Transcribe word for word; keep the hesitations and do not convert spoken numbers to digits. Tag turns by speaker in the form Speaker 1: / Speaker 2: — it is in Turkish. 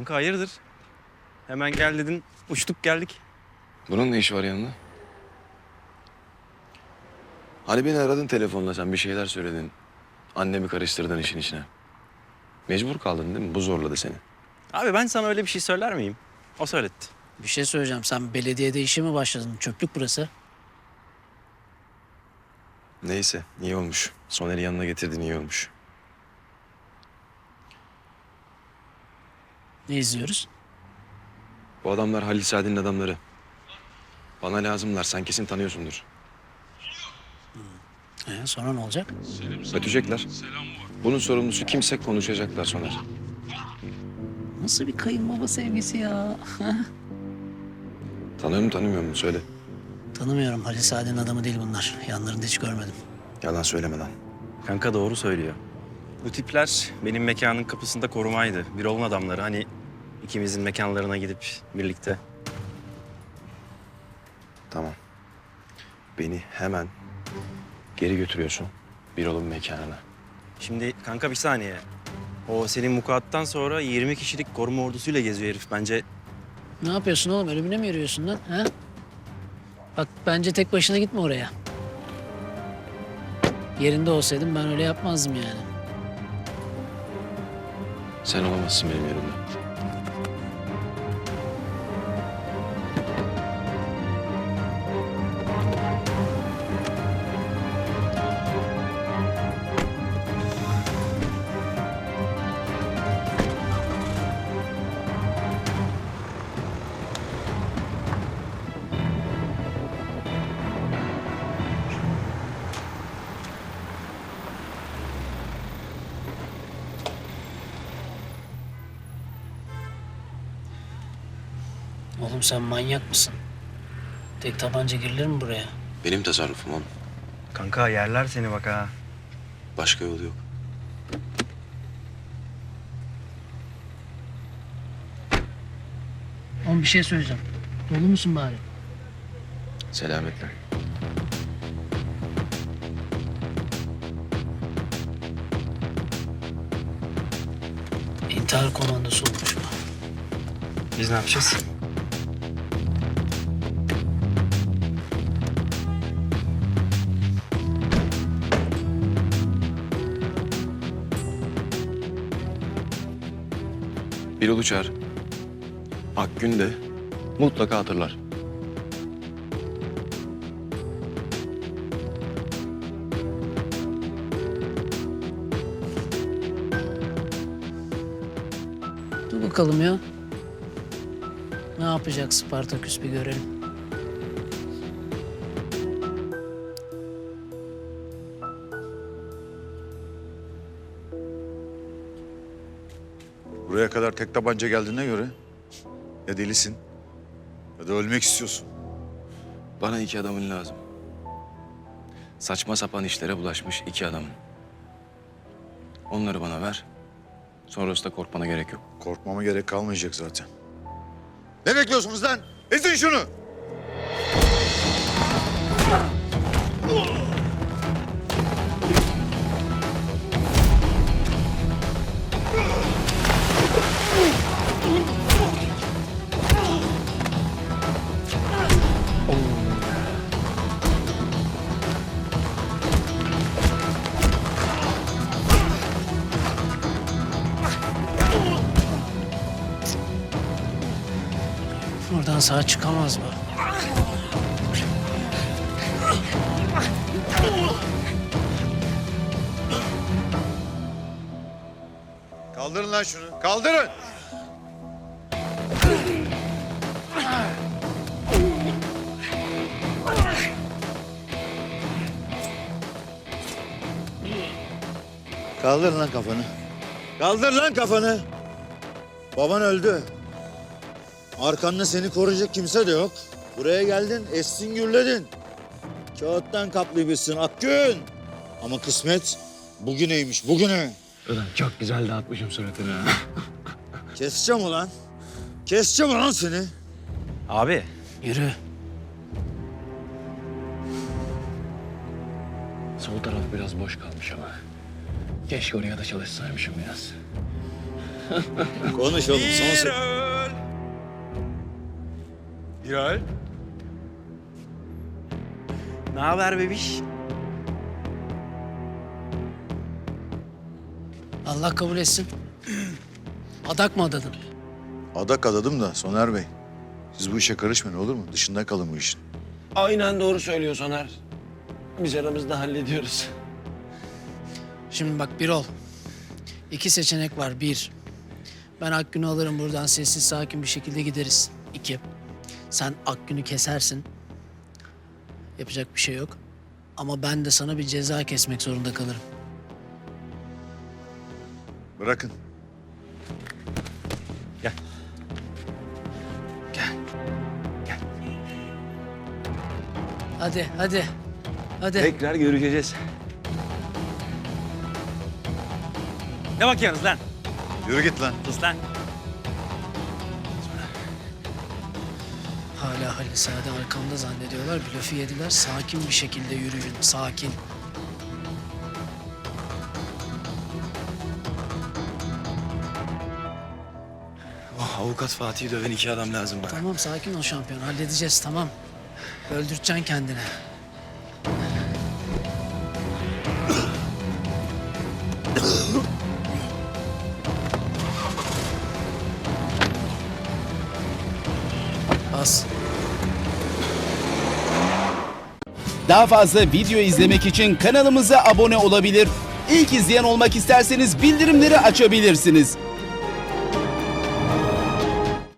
Speaker 1: Kanka hayırdır? Hemen gel dedin, uçtuk geldik.
Speaker 2: Bunun ne işi var yanında? Hani beni aradın telefonla, sen bir şeyler söyledin. Annemi karıştırdın işin içine. Mecbur kaldın değil mi? Bu zorladı seni.
Speaker 1: Abi ben sana öyle bir şey söyler miyim? O söyletti.
Speaker 3: Bir şey söyleyeceğim. Sen belediyede işe mi başladın? Çöplük burası.
Speaker 2: Neyse, iyi olmuş. Soner'i yanına getirdin, iyi olmuş.
Speaker 3: Ne izliyoruz?
Speaker 2: Bu adamlar Halil Saad'in adamları. Bana lazımlar, sen kesin tanıyorsundur.
Speaker 3: Ee, sonra ne olacak?
Speaker 2: Ötecekler. Bunun sorumlusu kimse konuşacaklar Soner.
Speaker 3: Nasıl bir kayınbaba sevgisi ya?
Speaker 2: Tanıyor mu tanımıyor mu? Söyle.
Speaker 3: Tanımıyorum. Halil Saad'in adamı değil bunlar. Yanlarında hiç görmedim.
Speaker 2: Yalan söyleme lan.
Speaker 1: Kanka doğru söylüyor. Bu tipler benim mekanın kapısında korumaydı. Bir olun adamları hani ikimizin mekanlarına gidip birlikte.
Speaker 2: Tamam. Beni hemen geri götürüyorsun Birol'un mekanına.
Speaker 1: Şimdi kanka bir saniye. O senin mukaattan sonra yirmi kişilik koruma ordusuyla geziyor herif. Bence
Speaker 3: Ne yapıyorsun oğlum? Ölümüne mi yürüyorsun lan? Ha? Bak bence tek başına gitme oraya. Yerinde olsaydım ben öyle yapmazdım yani.
Speaker 2: Sen olamazsın benim yerimde.
Speaker 3: Oğlum sen manyak mısın? Tek tabanca girilir mi buraya?
Speaker 2: Benim tasarrufum oğlum.
Speaker 1: kanka yerler seni bak ha.
Speaker 2: Başka yolu yok.
Speaker 3: Oğlum bir şey söyleyeceğim. Dolu musun bari?
Speaker 2: Selametle.
Speaker 3: İntihar komandosu olmuş bu.
Speaker 1: Biz ne yapacağız?
Speaker 2: Birol'u çağır. Akgün de mutlaka hatırlar.
Speaker 3: Dur bakalım ya. Ne yapacak Spartaküs bir görelim.
Speaker 4: Buraya kadar tek tabanca geldiğine göre ya delisin ya da ölmek istiyorsun.
Speaker 2: Bana iki adamın lazım. Saçma sapan işlere bulaşmış iki adamın. Onları bana ver. Sonrasında korkmana gerek yok.
Speaker 4: Korkmama gerek kalmayacak zaten. Ne bekliyorsunuz lan? Ezin şunu!
Speaker 3: Buradan sağ çıkamaz mı?
Speaker 4: Kaldırın lan şunu. Kaldırın! Kaldır lan kafanı. Kaldır lan kafanı. Baban öldü. Arkanda seni koruyacak kimse de yok. Buraya geldin, essin gürledin. Kağıttan kaplıymışsın Akgün. Ama kısmet bugüneymiş, bugüne.
Speaker 2: Ulan çok güzel dağıtmışım suratını.
Speaker 4: Keseceğim ulan. Keseceğim ulan seni.
Speaker 1: Abi
Speaker 3: Yürü.
Speaker 2: Sol taraf biraz boş kalmış ama. Keşke oraya da çalışsaymışım biraz.
Speaker 4: Konuş oğlum son se-
Speaker 1: Birol. Ne haber bebiş?
Speaker 3: Allah kabul etsin. Adak mı adadın?
Speaker 4: Adak adadım da Soner Bey. Siz bu işe karışmayın olur mu? Dışında kalın bu işin.
Speaker 2: Aynen doğru söylüyor Soner. Biz aramızda hallediyoruz.
Speaker 3: Şimdi bak Birol. İki seçenek var. Bir, ben Akgün'ü alırım buradan sessiz sakin bir şekilde gideriz. İki, sen Akgün'ü kesersin. Yapacak bir şey yok. Ama ben de sana bir ceza kesmek zorunda kalırım.
Speaker 4: Bırakın.
Speaker 1: Gel.
Speaker 3: Hadi, hadi. Hadi.
Speaker 2: Tekrar görüşeceğiz.
Speaker 1: Ne bakıyorsunuz lan?
Speaker 4: Yürü git lan.
Speaker 1: Sus lan.
Speaker 3: Hala Halil Sade arkamda zannediyorlar. Blöfü yediler. Sakin bir şekilde yürüyün. Sakin.
Speaker 2: Oh, avukat Fatih'i döven iki adam lazım bana.
Speaker 3: Tamam sakin ol şampiyon. Halledeceğiz tamam. Öldüreceksin kendini. Bas.
Speaker 5: Daha fazla video izlemek için kanalımıza abone olabilir. İlk izleyen olmak isterseniz bildirimleri açabilirsiniz.